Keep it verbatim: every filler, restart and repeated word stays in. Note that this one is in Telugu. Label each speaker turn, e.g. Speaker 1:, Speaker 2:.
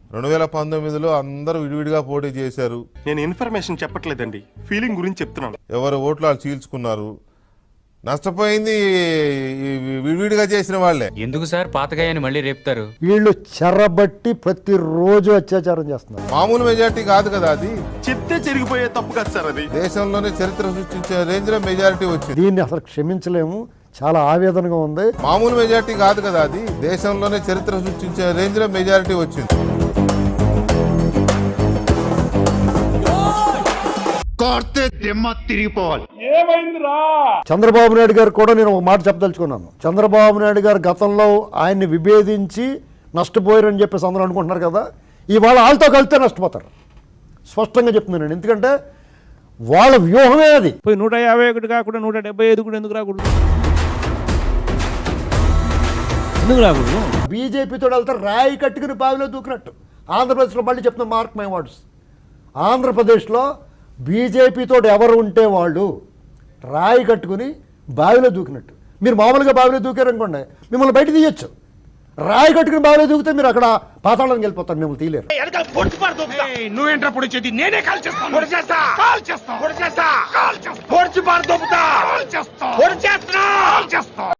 Speaker 1: రెండు వేల పంతొమ్మిదిలో అందరూ విడివిడిగా పోటీ చేశారు.
Speaker 2: నేను ఇన్ఫర్మేషన్ చెప్పట్లేదండి, ఫీలింగ్ గురించి చెప్తున్నాను.
Speaker 1: ఎవరు ఓట్లు వాళ్ళు చీల్చుకున్నారు. నష్టపోయింది విడివిడిగా చేసిన వాళ్ళే.
Speaker 3: ఎందుకు సార్ పాతగాయని మళ్ళీ రేపుతారు?
Speaker 4: వీళ్ళు చెరబట్టి ప్రతిరోజు అత్యాచారం చేస్తున్నారు.
Speaker 1: మామూలు మెజారిటీ కాదు కదా అది.
Speaker 2: చెప్తే జరిగిపోయే తప్పు కాదు సార్ అది.
Speaker 1: దేశంలోనే చరిత్ర సృష్టించే రేంజ్ లో మెజారిటీ వచ్చింది.
Speaker 4: దీన్ని అసలు క్షమించలేము, చాలా ఆవేదనగా ఉంది.
Speaker 1: మామూలు మెజారిటీ కాదు కదా అది. దేశంలోనే చరిత్ర సృష్టించే రేంజ్ లో మెజారిటీ వచ్చింది.
Speaker 4: చంద్రబాబు నాయుడు గారు కూడా నేను ఒక మాట చెప్పదలుచుకున్నాను. చంద్రబాబు నాయుడు గారు గతంలో ఆయన్ని విభేదించి నష్టపోయారని చెప్పేసి అందరూ అనుకుంటున్నారు కదా, ఇవాళ వాళ్ళతో కలిస్తే నష్టపోతారు. స్పష్టంగా చెప్తున్నాను. ఎందుకంటే వాళ్ళ వ్యూహమే అది.
Speaker 5: పోయి నూట యాభై ఒకటి కాకుండా నూట డెబ్బై ఐదు కూడా ఎందుకు రాకూడదు? ఎందుకు రాకూడదు?
Speaker 4: బీజేపీతో వెళ్తే రాయి కట్టుకుని బావిలో దూకినట్టు. ఆంధ్రప్రదేశ్లో మళ్ళీ చెప్తున్నా, మార్క్ మై వర్డ్స్, ఆంధ్రప్రదేశ్లో బీజేపీతో ఎవరు ఉంటే వాళ్ళు రాయి కట్టుకుని బావిలో దూకినట్టు. మీరు మామూలుగా బావిలో దూకారనుకోండి, మిమ్మల్ని బయట తీయచ్చు. రాయి కట్టుకుని బావిలో దూకితే మీరు అక్కడ పాతాళానికి వెళ్ళిపోతారు, మిమ్మల్ని తీయలేరు.
Speaker 6: నువ్వేంట్రా పొడిచేది? నేనే కాల్ చేస్తాను. పొడి చేస్తా, కాల్ చేస్తా, పొడి చేస్తా, కాల్ చేస్తా, పొడిచి పారు దొబ్బుతా, కాల్ చేస్తా, పొడి చేస్తా, కాల్ చేస్తా.